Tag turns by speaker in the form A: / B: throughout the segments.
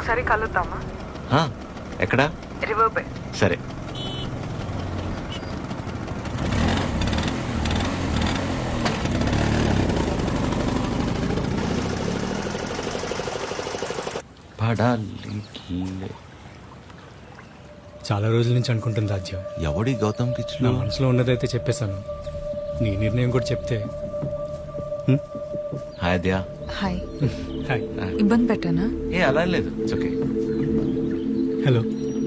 A: ఒకసారి కలుద్దామా?
B: ఎక్కడా?
A: River bay.
B: సరే.
C: చాలా రోజుల నుంచి అనుకుంటుంది రాజ్యం.
B: ఎవడి గౌతమ్
C: నా
B: కిచ్లు?
C: మనసులో ఉన్నదైతే చెప్పేశాను. నీ నిర్ణయం కూడా చెప్తే.
B: హాయ్ అద్యా.
A: హాయ్.
C: హాయ్.
A: ఇబ్బంది పెట్టానా?
B: ఏ అలా లేదు, ఇట్స్ ఓకే.
C: హలో.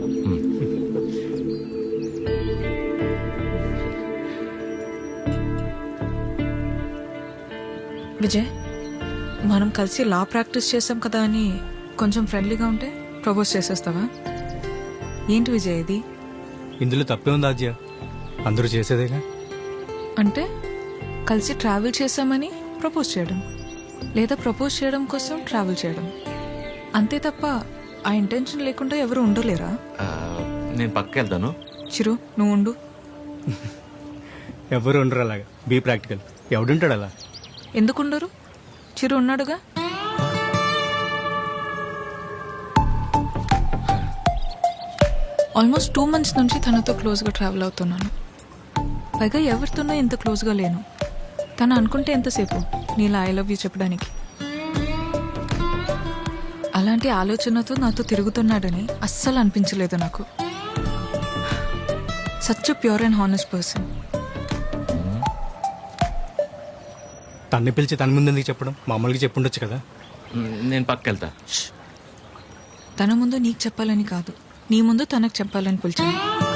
A: విజయ్, మనం కలిసి లా ప్రాక్టీస్ చేసాం కదా అని కొంచెం ఫ్రెండ్లీగా ఉంటే ప్రపోజ్ చేసేస్తావా? ఏంటి విజయ్ ఇది?
C: ఇందులో తప్పే ఉంది రాజ్య, అందరూ చేసేదేగా.
A: అంటే కలిసి ట్రావెల్ చేసామని ప్రపోజ్ చేయడం, లేదా ప్రపోజ్ చేయడం కోసం ట్రావెల్ చేయడం, అంతే తప్ప ఆ ఇంటెన్షన్ లేకుండా ఎవరు ఉండలేరా?
B: నేను పక్కకి వెళ్తాను.
A: చిరు, నువ్వు ఉండు.
C: ఎవరు ఉండరు అలాగా. Be practical. ఎవడుంటాడు అలా?
A: ఎందుకుండరు? చిరు ఉన్నాడుగా. ఆల్మోస్ట్ 2 months నుంచి తనతో క్లోజ్గా ట్రావెల్ అవుతున్నాను. పైగా ఎవరితోనో ఇంత క్లోజ్గా లేను. తను అనుకుంటే ఎంతసేపు నీలా ఐ లవ్ యూ చెప్పడానికి. అలాంటి ఆలోచనతో నాతో తిరుగుతున్నాడని అస్సలు అనిపించలేదు నాకు. Such pure and honest person.
C: తన్ని పిలిచి తన ముందు చెప్పడం మామూలుగా చెప్పుండొచ్చు కదా.
B: నేను పక్కకి వెళ్తా.
A: తన ముందు నీకు చెప్పాలని కాదు, నీ ముందు తనకు చెప్పాలని పిలిచాను.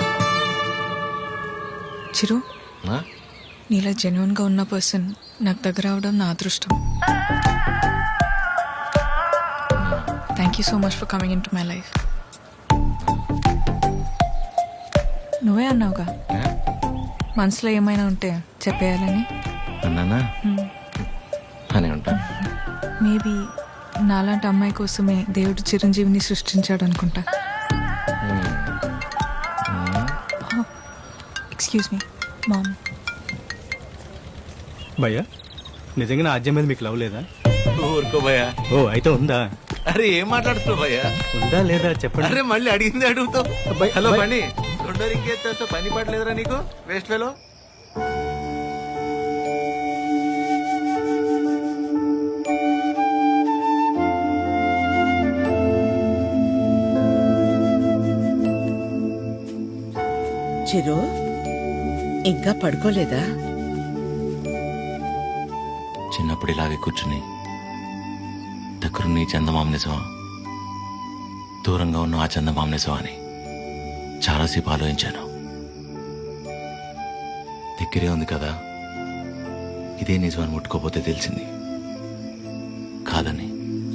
A: చిరు, నీలా జెన్యున్ గా ఉన్న పర్సన్ నాకు దగ్గర అవడం నా అదృష్టం. Thank you so much for coming into my life. నువ్వే అన్నావుగా మనసులో ఏమైనా ఉంటే చెప్పేయాలని.
B: అన్నానా? అని ఉంటాను.
A: మేబీ నాలాంటి అమ్మాయి కోసమే దేవుడు చిరంజీవిని సృష్టించాడు అనుకుంటా. Excuse me ma'am.
C: భయ్యా, నిజంగా నా ఆద్యం మీద మీకు లవ్ లేదా?
B: ఊరుకో భయ్యా.
C: ఓ అయితే ఉందా?
B: అరే ఏం మాట్లాడుతున్నావు భయ్యా?
C: ఉందా లేదా చెప్పండి.
B: అరే మళ్ళీ అడిగింది అడుగుతావు.
C: అబ్బాయి,
B: హలో
C: అబ్బాయి.
B: పని తొందర ఇంకేస్తా. పని పడలేదురా నీకు? Waste fellow.
D: చిరు, ఇంకా పడుకోలేదా?
B: చిన్నప్పుడు ఇలాగే కూర్చుని దగ్గరున్న చందమామ నిజమా, దూరంగా ఉన్న ఆ చందమామ నిజమా అని చాలాసేపు ఆలోచించాను. దగ్గరే ఉంది కదా, ఇదే నిజమని ముట్టుకోపోతే తెలిసింది కాదని.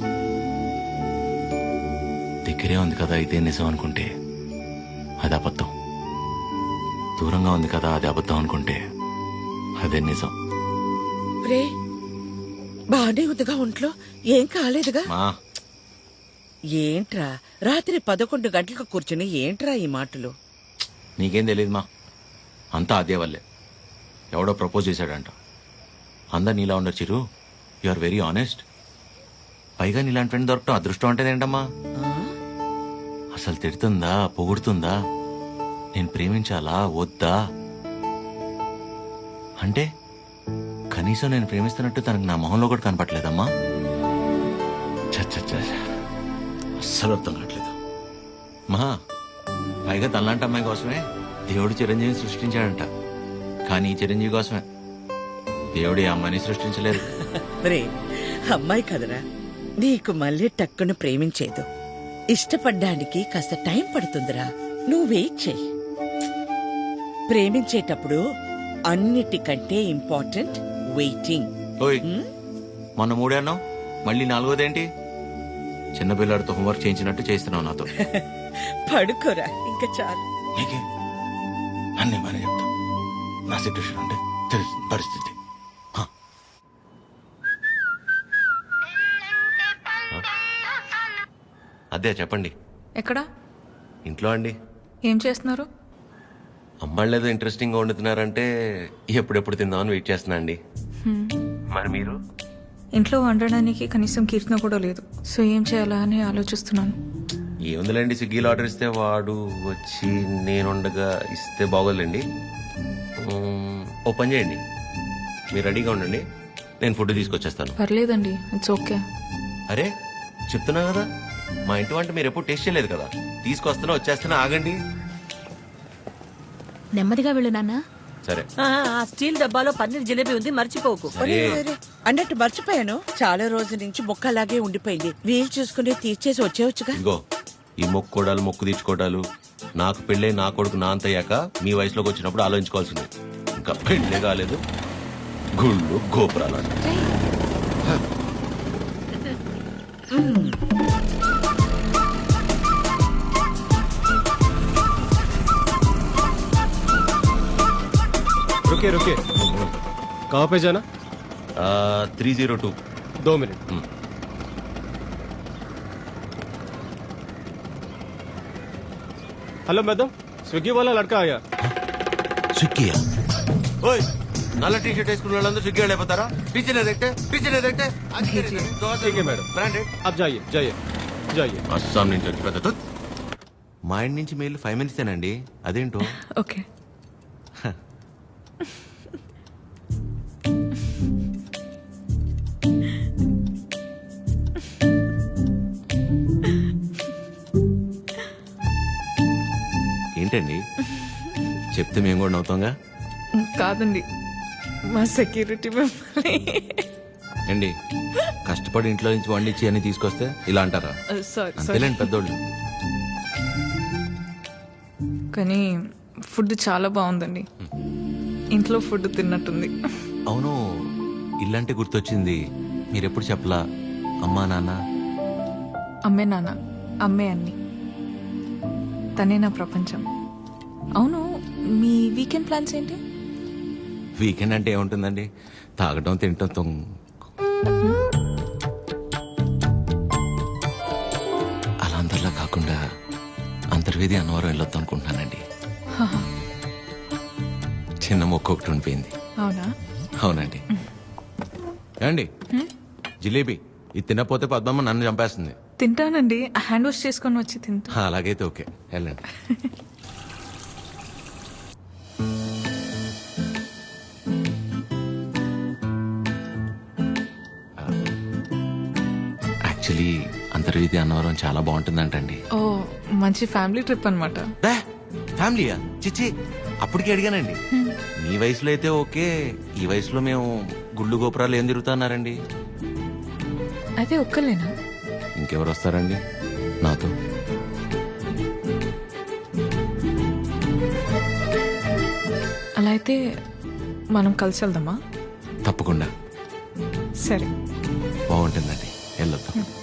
B: దగ్గరే ఉంది కదా ఇదే నిజం అనుకుంటే అది అబద్ధం. దూరంగా ఉంది కదా అది అబద్ధం అనుకుంటే అదే నిజం.
D: రే, బానే ఉందిగా ఒంట్లో? ఏం కాలేదుగా?
B: మా
D: ఏంట్రా రాత్రి 11 గంటలకు కూర్చుని ఏంట్రా ఈ మాటలు?
B: నీకేం తెలియదు మా, అంతా అదే వల్లే. ఎవడో ప్రపోజ్ చేశాడంట. అందరు నీలా ఉండరు Chiru, you are very honest. పైగా నీలాంటి ఫ్రెండ్ దొరకటం అదృష్టం అంటే ఏంటమ్మా? అసలు తిడుతుందా, పొగుడుతుందా, నేను ప్రేమించాలా వద్దా అంటే కనీసం నేను ప్రేమిస్తున్నట్టు తనకు నా మొహంలో కూడా కనపట్లేదమ్మా. అస్సలు అర్థం కావట్లేదు మా. పైగా తనలాంటి అమ్మాయి కోసమే దేవుడు చిరంజీవిని సృష్టించాడంట. కానీ ఈ చిరంజీవి కోసమే దేవుడు ఈ అమ్మాయిని సృష్టించలేదు.
D: రే, అమ్మాయి కదరా, నీకు మళ్ళీ టక్కును ప్రేమించేదు. ఇష్టపడ్డానికి కాస్త టైం పడుతుందిరా, నువ్వు వెయిట్ చెయ్యి. ప్రేమించేటప్పుడు అన్నిటికంటే ఇంపార్టెంట్ వెయిటింగ్.
B: ఓయ్, మొన్న 3 అన్నావు, మళ్ళీ 4వదేంటి? చిన్నపిల్లాడితో హోంవర్క్ చేయించినట్టు చేస్తున్నావు నాతో.
D: పడుకోరా, ఇంకా చాలు.
B: నీకే అన్నీ బాగానే చెప్తా. నా సిట్యుయేషన్ అంటే తెలుసు పరిస్థితి. అదే చెప్పండి.
A: ఎక్కడా?
B: ఇంట్లో అండి.
A: ఏం చేస్తున్నారు?
B: అమ్మాళ్ళు ఏదో ఇంట్రెస్టింగ్ గా వండుతున్నారంటే ఎప్పుడెప్పుడు తిందామని వెయిట్ చేస్తున్నా అండి. మరి మీరు?
A: ఇంట్లో వండడానికి కనీసం కీర్తన కూడా లేదు. సో ఏం చేయాలా అని ఆలోచిస్తున్నాను.
B: ఏముందిలేండి, స్విగ్గీలో ఆర్డర్ ఇస్తే వాడు వచ్చి నేనుండగా ఇస్తే బాగోదులేండి. ఓ పని చేయండి, మీరు రెడీగా ఉండండి, నేను ఫుడ్ తీసుకొచ్చేస్తాను.
A: పర్లేదండి, ఇట్స్ ఓకే.
B: అరే చెప్తున్నా కదా, మా ఇంటి వంట మీరు ఎప్పుడు టేస్ట్ చేయలేదు కదా, తీసుకొస్తున్నా వచ్చేస్తున్నా, ఆగండి.
E: నెమ్మదిగా వెళ్ళు నాన్న.
B: సరే
F: ఆ స్టీల్ డబ్బాలో పన్నీర్ జిలేబీ ఉంది, మర్చిపోకు.
B: సరే
D: అన్నట్టు మర్చిపోయాను, చాలా రోజుల నుంచి మొక్క అలాగే ఉండిపోయింది. వీలు చూసుకుని తీర్చేసి వచ్చేవచ్చుగా.
B: ఇదిగో ఈ మొక్కుకోవడాలు మొక్కు తీర్చుకోవడాలు నాకు పెళ్ళై నా కొడుకు నా అంతయ్యాక మీ వయసులోకి వచ్చినప్పుడు ఆలోచించుకోవాల్సింది. ఇంకా పెళ్ళే కాలేదు, గుళ్ళు గోపురాలు అంట.
G: रुकिए रुकिए कहाँ पे जाना
B: 302.
G: 2 मिनट हेलो मैडम स्विगी वाला लड़का आया
B: స్విగ్గీయా? ఓయ్ నల్ల టీ షర్ట్ వేసుకున్న వాళ్ళందరూ స్విగ్గీ వాళ్ళు అయిపోతారా? టీచర్
G: ठीक है मैडम
B: బ్రాండెడ్.
G: आप जाइए जाइए जाइए
B: అస్సాం నుంచి వచ్చి పెద్ద తుత్. మా ఇంటి నుంచి మెయిల్ 5 మినిట్సేనండి, అదేంటో.
A: ఓకే.
B: ఏంటండి చెప్తే మేము కూడా నవ్వుతాంగా.
A: కాదండి, మా సెక్యూరిటీ మిమ్మల్ని
B: ఏండి కష్టపడి ఇంట్లో నుంచి వండించి అన్ని తీసుకొస్తే ఇలా అంటారా?
A: సారీ
B: అంతేలేండి పెద్దోళ్ళు.
A: కానీ ఫుడ్ చాలా బాగుందండి. ఇంట్లో ఫుడ్ తిన్నట్టుంది.
B: అవును, ఇల్లంటే గుర్తొచ్చింది, మీరెప్పుడు చెప్పలా అమ్మా నాన్న?
A: అమ్మే నాన్న, అమ్మే అన్ని, తనే నా ప్రపంచం. అవును, మీ వీకెండ్ ప్లాన్స్ ఏంటి?
B: వీకెండ్ అంటే ఏముంటుందండి, తాగటం తినటం అలా అందరిలా కాకుండా అంతర్వేది అన్నవరం వెళ్ళొద్దాం అనుకుంటున్నానండి. చిన్న మొక్క ఒకటి ఉండిపోయింది.
A: అవునా?
B: అవునండి. ఏమండి జిలేబీ ఇది తినకపోతే పద్మమ్మ నన్ను చంపేస్తుంది.
A: తింటానండి, హ్యాండ్ వాష్ చేసుకొని వచ్చి తింటా.
B: అలాగైతే ఓకే, వెళ్ళండి. యాక్చువల్లీ అంతర్వేది అన్నవరం చాలా బాగుంటుందంటండి.
A: ఓ, మంచి ఫ్యామిలీ ట్రిప్ అనమాట.
B: ఫ్యామిలీయా? చిచ్చి, అప్పటికి అడిగానండి. మీ వయసులో అయితే ఓకే, ఈ వయసులో మేము గుళ్ళు గోపురాలు ఏం తిరుగుతున్నారండి.
A: అయితే ఒక్కలేనా?
B: ఇంకెవరు వస్తారండి నాతో?
A: అలా అయితే మనం కలిసి వెళ్దామా?
B: తప్పకుండా
A: సరే.
B: బాగుంటుందండి, వెళ్ళొద్దాం.